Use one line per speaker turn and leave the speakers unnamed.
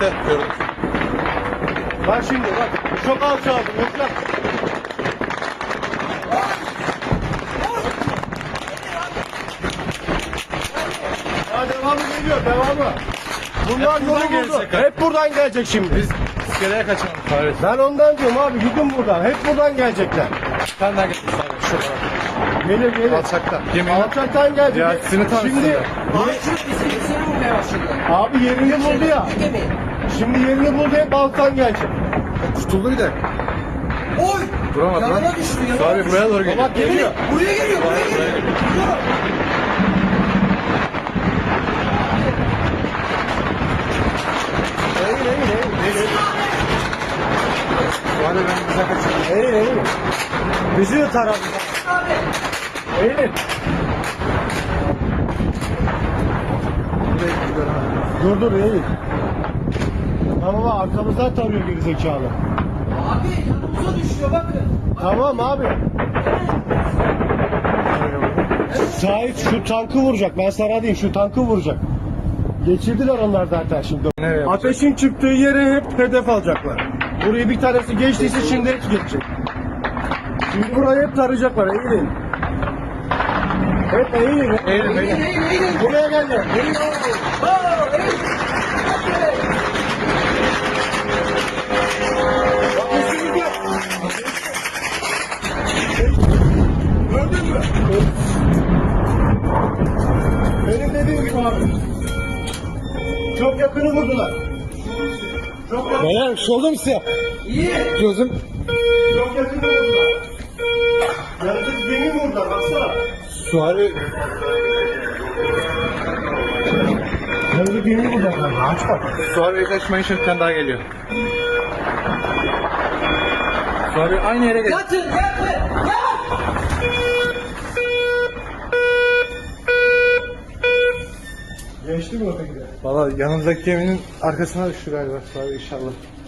Evet gördüm.
Bak şimdi bak. Çok alçaldım. Yoksa. Ya devamı geliyor. Devamı. Bunlar
Hep
yolu
buradan
buldu.
gelecek.
Hep buradan gelecek şimdi.
Biz iskeleye kaçalım. Evet.
Ben ondan diyorum abi. Gidin buradan. Hep buradan gelecekler.
Bir tane daha getirsin abi. Şuradan.
Gelir gelir.
Alçaktan. Yemeğini.
Alçaktan gelecek.
Ya sizin tanışsın
Şimdi
ya.
Ağaçın iskelesine vurmaya başladı.
abi yerini buldu ya.
Gemi.
Şimdi yerini buldu, hep alttan gelecek.
Tutuldu bir de.
Oy!
Duramadı lan.
Yanına düştü yanına.
Abi buraya doğru geliyor.
Bak geliyor.
Buraya geliyor, buraya geliyor. Dur.
Eğil eğil eğil.
Hadi ben bize kaçayım.
Eğil eğil. Bizi yutar abi.
Abi.
Eğil. Dur dur eğil. Tamam abi, arkamızdan tarıyor gerizekalı.
Abi yanımıza düşüyor bakın.
Tamam abi. Sait şu tankı vuracak. Ben sana diyeyim, şu tankı vuracak. Geçirdiler onlar zaten şimdi.
Nereye yapacak?
Ateşin çıktığı yere hep hedef alacaklar. Burayı bir tanesi geçtiyse şimdi hep geçecek. Şimdi burayı hep tarayacaklar. Eğilin. Hep eğilin.
Eğilin,
Eğil,
eğilin.
eğil, eğil.
Buraya geldi. Eğil.
Aa, eğil.
Bak üstümüzde. Gördün mü? Benim dediğim gibi abi. Çok yakını vurdular. Çok yakını.
Beyler solum size.
İyi.
Gözüm.
Çok yakını vurdular. Yaratık gemi vurdular, baksana.
Suari.
Yaratık gemi vurdular. Aç bak.
Suari kaçmayın şimdi bir tane daha geliyor. Suari aynı yere geliyor.
Yatın, yatın. Yat.
Geçti mi öteki de?
Valla yanındaki geminin arkasına düştü galiba Suari inşallah.